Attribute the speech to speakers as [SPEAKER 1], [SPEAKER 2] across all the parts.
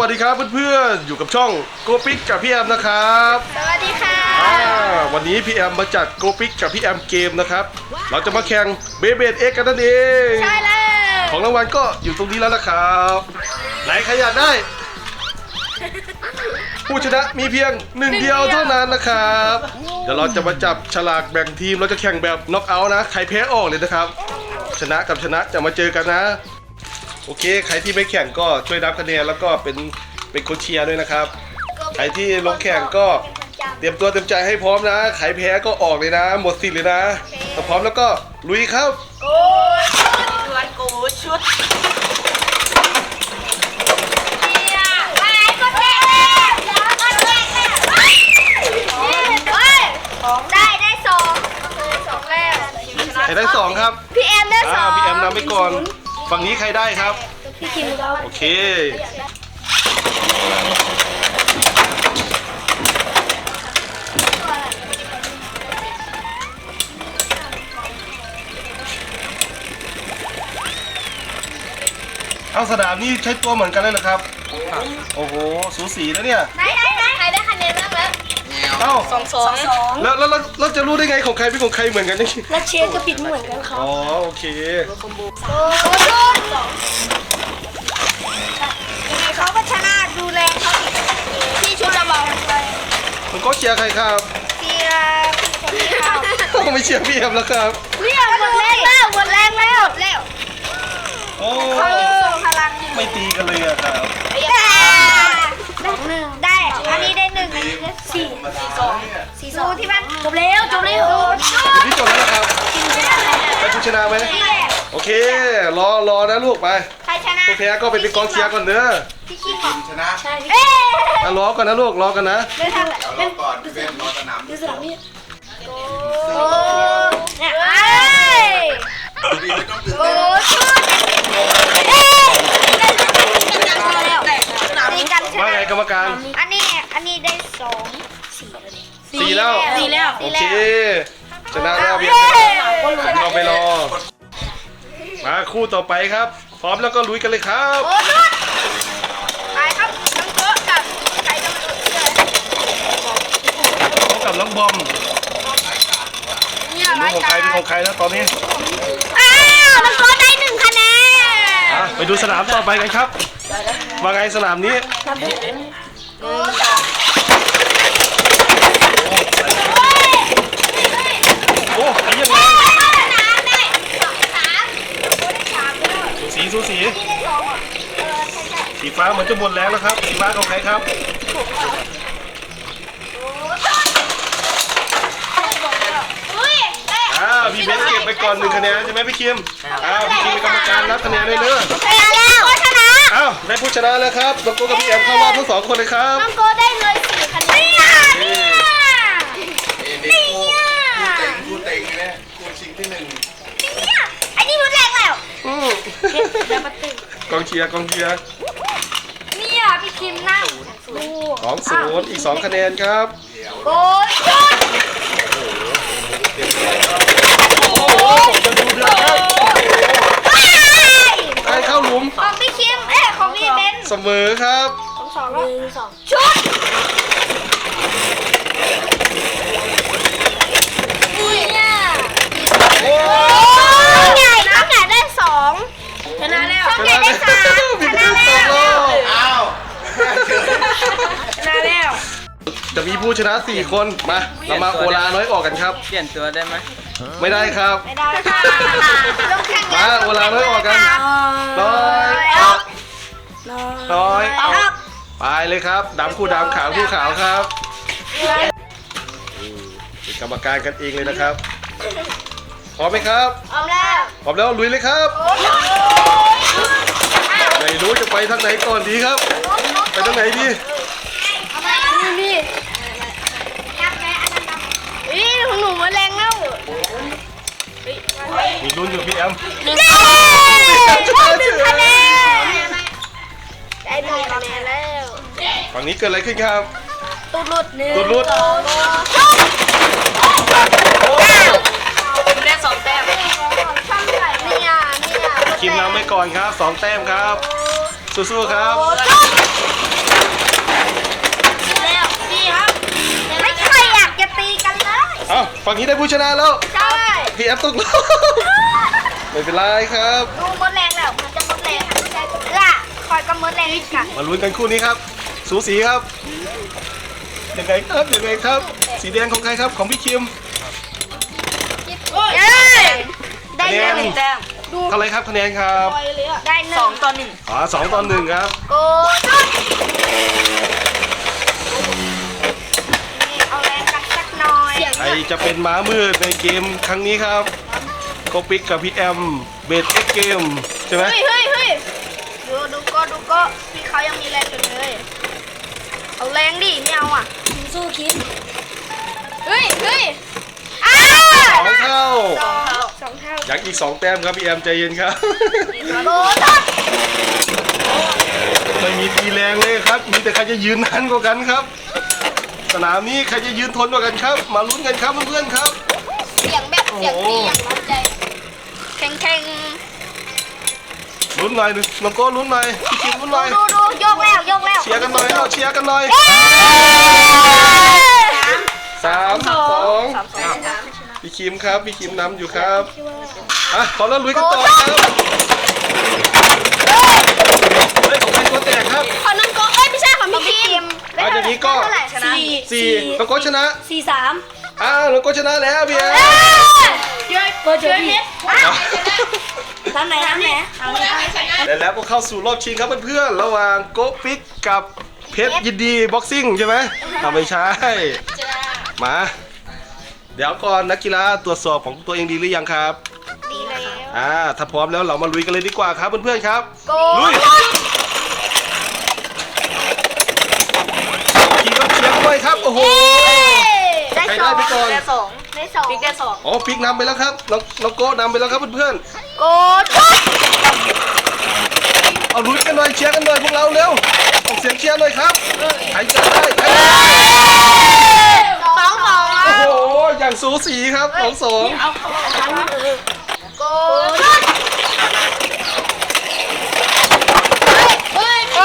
[SPEAKER 1] วัสดีครับเพื่อนๆอยู่กับช่องโกปิกกับพี่แอมนะครับ
[SPEAKER 2] สวัสดีค่ะ
[SPEAKER 1] วันนี้พี่แอมมาจัดโกปิกกับพี่แอมเกมนะครับเราจะมาแข่งเบเบดเอ็กกันนั่นเอง
[SPEAKER 2] ใช่แล้ว
[SPEAKER 1] ของรางวัลก็อยู่ตรงนี้แล้วนะครับไหนใครอยากได้ผู้ชนะมีเพียงหนึ่งเดียวเท่านั้นนะครับเดี๋ยวเราจะมาจับฉลากแบ่งทีมเราจะแข่งแบบน็อกเอาท์นะใครแพ้ออกเลยนะครับชนะกับชนะจะมาเจอกันนะโอเคใครที่ไม่แข่งก็ช่วยนับคะแนนแล้วก็เป็นคนเชียร์ด้วยนะครับใครที่ลงแข่งก็เตรียมตัวเตรียมใจให้พร้อมนะใครแพ้ก็ออกเลยนะหมดสิทธิ์เลยนะถ้าพร้อมแล้วก็ลุยครับ
[SPEAKER 2] โกชวนโกชุดได้สองแล้ว
[SPEAKER 1] ใครได้สองครับ
[SPEAKER 2] พี่แอมได้สอง
[SPEAKER 1] พี่แอมนำไปก่อนฝั่งนี้ใครได้ครับ
[SPEAKER 2] พี่คิมเรา
[SPEAKER 1] โอเคเอาสนามนี่ใช้ตัวเหมือนกันเลยเหรอครับโอ้โหสูสีนะเนี่ย
[SPEAKER 2] ได้ใครได้คะแนนบ้างแล้ว
[SPEAKER 1] เอ้า
[SPEAKER 2] สอง
[SPEAKER 1] แล้วจะรู้ได้ไงของใครเป็นของใครเหมือนกันนี่
[SPEAKER 2] แล้วเชฟก็ปิดเหมือนกันครับ
[SPEAKER 1] อ๋อโอเค
[SPEAKER 2] โอ้ชุดเขาก็ชนะดูแลเขาพี่ชุดจะบอก
[SPEAKER 1] มันก็เชียร์ใครครับ
[SPEAKER 2] เชียร์พี่เขา
[SPEAKER 1] ไม่เชียร์พี่แอมแล้วครับ
[SPEAKER 2] เนี่ยหมดแรงแล้ว
[SPEAKER 1] โอ้
[SPEAKER 2] พลัง
[SPEAKER 1] ไม่ตีกันเลยอะครับ
[SPEAKER 2] ได้อันนี้ได้หนึ่งอันนี้ได้สี่สองที่บ้านจบแล้ว
[SPEAKER 1] นี่จบแล้วนะครับไปผู้ชนะไหมโอเครอนะลูกไป
[SPEAKER 2] ใครชนะ
[SPEAKER 1] ผู้แพ้ก็ไปเป็นกองเชียร์ก่อนเด้อ
[SPEAKER 2] พี่คิม
[SPEAKER 3] ชนะ
[SPEAKER 2] ใช่
[SPEAKER 1] รอก่อนนะลูกรอกันนะ
[SPEAKER 3] รอก่อนเป็นรอสนาม
[SPEAKER 2] ดูสนามนี่โอ้เนี่ย
[SPEAKER 3] ดีไม่ต้องตื่น
[SPEAKER 2] โอ้
[SPEAKER 3] เต้น
[SPEAKER 1] ว่าไงกรรมการ
[SPEAKER 2] อันนี้ได้
[SPEAKER 1] สี่แล้วโอเคชนะแล้วพี่เราไปรอมาคู่ต่อไปครับพร้อมแล้วก็ลุยกันเลยครับ
[SPEAKER 2] ไปครับน้องโต๊ะกับใครจะมาดู
[SPEAKER 1] กับน้องบอมเป็นของใครนะตอนนี้
[SPEAKER 2] น้องโต๊ะได้1 คะแนน
[SPEAKER 1] ไปดูสนามต่อไปกันครับว่าไงสนามนี้โอ้ยยังไงสูสีสีฟ้าเหมือนจะหมดแรงแล้วครับสีฟ้าของใครครับพี่เบนเก็บไปก่อน1 คะแนนใช่ไหมพี่คิมพี่คิมเป็นกรรมการนับคะแนนเลยเนอะได้ผู้ชนะแล้วครับน้องโกกับพี่แอมเข้ารอบทั้ง2 คนเลยครับ
[SPEAKER 2] น้องโกได้เลย4 คะแนน
[SPEAKER 3] คู่เต็งเนี่ยคู่ชิงที่1
[SPEAKER 2] อันนี้รุนแรงแล้ว
[SPEAKER 1] กองเชียร์
[SPEAKER 2] เนี่ยพี่คิมนั่ง
[SPEAKER 1] 2-0อีก2 คะแนนครับ
[SPEAKER 2] โกชุด
[SPEAKER 1] จะดูเดือดครับใครเข้าหลุม
[SPEAKER 2] ของพี่คิมของพี่เบน
[SPEAKER 1] เสมอครับ
[SPEAKER 2] 2ชุดช่องใหญ่ได้2ชนะแล้วช่องใหญ่ได้3ชนะแล้ว
[SPEAKER 1] จะมีผู้ชนะ4 คนมาเรามาโอลาน้อยออกกันครับ
[SPEAKER 4] เปลี่ยนตัวได้ไหม
[SPEAKER 1] ไม่ได้ครับ
[SPEAKER 2] ไม่ได้ค่ะ
[SPEAKER 1] มาโอลาน้อยออกกันน้อยไปเลยครับดำคู่ดำขาวคู่ขาวครับเป็นกรรมการกันเองเลยนะครับพร้อมไหมครับ
[SPEAKER 2] พร้อม
[SPEAKER 1] แล้วลุยเลยครับไม่รู้จะไปทางไหนก่อนดีครับไปทางไหนดี
[SPEAKER 2] ของหนูมาแรงแล้ว
[SPEAKER 1] มีลุ้นอยู่พี่แอม
[SPEAKER 2] 1 คะแนนได้1 คะแนนแล้ว
[SPEAKER 1] ฝั่งนี้เกิดอะไรขึ้นครับ
[SPEAKER 2] ตูดหลุดได้2 แต้มเนี่ย
[SPEAKER 1] คิมนำไปก่อนครับ2 แต้มครับสู้ๆครับอ้าวฝั่งนี้ได้ผู้ชนะแล้ว
[SPEAKER 2] ใช่
[SPEAKER 1] พี่แอฟตกรอบ ไม่เป็นไรครับ
[SPEAKER 2] ดูมดแรงแล้วมันจะมดแรงคอยก็มดแรงอีกค่ะ
[SPEAKER 1] มาลุ้นกันคู่นี้ครับ สูสีครับยังไงครับยังไงครับ สีแดงของใครครับของพี่คิม
[SPEAKER 2] เย้ได้หนึ่งแต้ม
[SPEAKER 1] เท่าไหรครับคะแนนครับ
[SPEAKER 2] ได้หนึ่ง2-1
[SPEAKER 1] อ๋อ2-1ครับ
[SPEAKER 2] โกนี่เอาแรงกันสักหน่อย
[SPEAKER 1] ใครจะเป็นม้ามืดในเกมครั้งนี้ครับโกปิกกับพี่แอมเบสเอ็กเกมใช่ไหม
[SPEAKER 2] เฮ้ยดูก็พี่เขายังมีแรงอยู่เลยเอาแรงดิไม่เอาอ่ะสู้คิดเฮ้ยอ้า
[SPEAKER 1] สองเท่า
[SPEAKER 2] สองเท่า
[SPEAKER 1] อยากอีก2 แต้มครับพี่แอมใจเย็นครับ
[SPEAKER 2] โกทัด
[SPEAKER 1] ไม่มีตีแรงเลยครับ มีแต่ใครจะยืนนานกว่ากันครับ สนามนี้ใครจะยืนทนกว่ากันครับ มาลุ้นกันครับเพื่อนๆครับ
[SPEAKER 2] เสียงแบบเสียงดีอย่างร้อนใจแข็ง
[SPEAKER 1] ลุ้นหน่อยน้องโก้ลุ้นหน่อยพี่คิมลุ้นหน่อย
[SPEAKER 2] ดูโยกแล้ว
[SPEAKER 1] เชียร์กันหน่อยเอาเชียร์กันหน่อย3-2พี่คิมครับพี่คิมนำอยู่ครับอ่ะขอแล้วลุยกันต่อครับเฮ้ยของใครตัวแตกครับ
[SPEAKER 2] ขอน้องโกไม่ใช่ของพี่คิม
[SPEAKER 1] เอาอย่างนี้ก็
[SPEAKER 2] เท่าไหร่ชนะ
[SPEAKER 1] 4น้องโก้ชนะ
[SPEAKER 2] 4-3
[SPEAKER 1] อ้าวน้องโก้ชนะแล้วพี่แอม
[SPEAKER 2] เปิดเจอพี่น้ำไหน
[SPEAKER 1] และแล้วก็เข้าสู่รอบชิงครับเพื่อนๆระหว่างโกปิกกับเพชรยินดีบ็อกซิ่งใช่ไหมไม่ใช่มา เดี๋ยวก่อนนักกีฬาตรวจสอบของตัวเองดีหรือยังครับ
[SPEAKER 2] ดีแล้ว
[SPEAKER 1] ถ้าพร้อมแล้วเรามาลุยกันเลยดีกว่าครับเพื่อนๆครับ
[SPEAKER 2] โก
[SPEAKER 1] ลุยขี่รถเชียร์ด้วยครับโอ้โห
[SPEAKER 2] ได้
[SPEAKER 1] ใคร
[SPEAKER 2] ส
[SPEAKER 1] ได้
[SPEAKER 2] อง
[SPEAKER 1] ไปก่อน
[SPEAKER 2] ได้สองบิ๊กได้สอง
[SPEAKER 1] อ๋อปิกนำไปแล้วครับน้องโก้นำไปแล้วครับเพื่อน
[SPEAKER 2] โกทัด
[SPEAKER 1] ๆเอาลุยกันหน่อยเชียร์กันหน่อยพวกเราเร็วออกเสียงเชียร์หน่อยครับใครจะได้ใครจะได้
[SPEAKER 2] 2-2
[SPEAKER 1] โอ้โหอย่างสูสีครับ2-2
[SPEAKER 2] โกทัดเฮ้ยช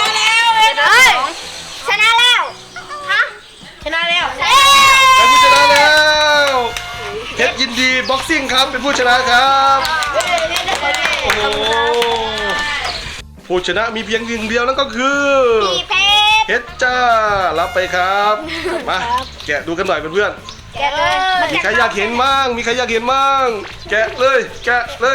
[SPEAKER 2] นะแล้วฮะชนะแล้ว
[SPEAKER 1] เป็นผู้ชนะแล้วเพชรยินดีบ็อกซิ่งครับเป็นผู้ชนะครับโอ้โหผู้ชนะมีเพียงหนึ่งเดียวนั่นก็คือ
[SPEAKER 2] พี่เพชร
[SPEAKER 1] เพชรจ้ารับไปครับมาแกะดูกันหน่อยเพื่อน
[SPEAKER 2] แกะเลย
[SPEAKER 1] ๆมีใครอยากเห็นมั่งมีใครอยากเห็นมั่งแกะเลยแกะเลย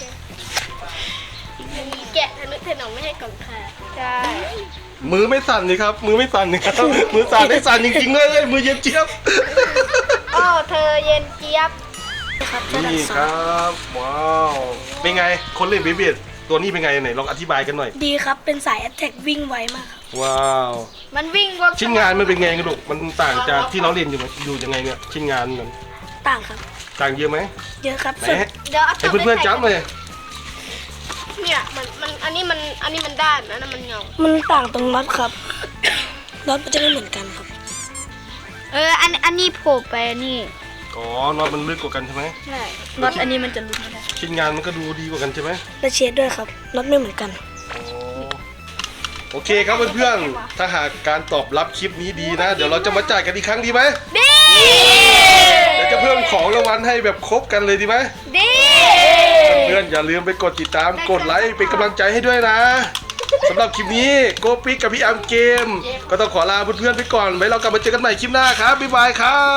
[SPEAKER 2] แกะทะนุถนอมไม่ให้กล่องค่ะใช่
[SPEAKER 1] มือไม่สั่นนี่ครับมือไม่สั่นนี่ครับมือสั่นได้สั่นจริงๆเลยมือเย็นเจี๊ยบ
[SPEAKER 2] โอ้เธอเย็นเจี๊ยบ
[SPEAKER 1] นี่ครับว้าวเป็นไงคนเล่นเบเบียตัวนี้เป็นไงไหนลองอธิบายกันหน่อย
[SPEAKER 4] ดีครับ เป็นสายแอตแทกวิ่งไวมากครับ
[SPEAKER 1] ว้าว
[SPEAKER 2] มันวิ่งบน
[SPEAKER 1] ชิ้นงานมันเป็นไงกันลูกมันต่างจากที่เราเรียนอยู่ยังไงเนี่ยชิ้นงานมัน
[SPEAKER 4] ต่างครับ
[SPEAKER 1] ต่างเยอะไหม
[SPEAKER 4] เยอะครับ
[SPEAKER 1] ไหน
[SPEAKER 4] ส่วน
[SPEAKER 2] เดี๋ยวเอา
[SPEAKER 1] ให้เพื่อนๆจับเลย
[SPEAKER 2] เนี่ยมันอันนี้มันด้านอันนั้นมันเงา
[SPEAKER 4] มันต่างตรงน็อตครับ น็อตมันจะไม่เหมือนกันครับ
[SPEAKER 2] อันนี้โผล่ไปนี่
[SPEAKER 1] อ๋อน็อตมันลึกกว่ากันใช่ไหม
[SPEAKER 2] ใช่
[SPEAKER 4] น็อตอันนี้มันจะลุ้นไม่ได้
[SPEAKER 1] ชิ้นงานมันก็ดูดีกว่ากันใช่ไหม
[SPEAKER 4] และเชดด้วยครับ น็อตไม่เหมือนกัน
[SPEAKER 1] อ๋อโอเคครับเพื่อนๆถ้าหากการตอบรับคลิปนี้ดีนะ เดี๋ยวเราจะมาจ่ายกันอีกครั้งดีไหม
[SPEAKER 2] ดี
[SPEAKER 1] เดี๋ยวจะเพิ่มของรางวัลให้แบบครบกันเลยดีไหม
[SPEAKER 2] ดี
[SPEAKER 1] เพื่อนๆอย่าลืมไปกดติดตามกดไลค์เป็นกำลังใจให้ด้วยนะสำหรับคลิปนี้โกปิกกับพี่อาร์มเกม ก็ต้องขอลาเพื่อนๆไปก่อนไว้เรากลับมาเจอกันใหม่คลิปหน้าครับบ๊ายบายครับ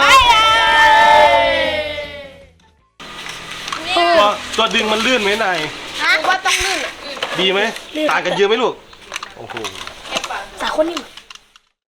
[SPEAKER 1] ตัวดึงมันลื่นไหมนาย
[SPEAKER 2] ว่าต้องลื่น
[SPEAKER 1] ดีไหมต่างกันเยอะไหมลูกโอ้โห
[SPEAKER 4] สายคนนี้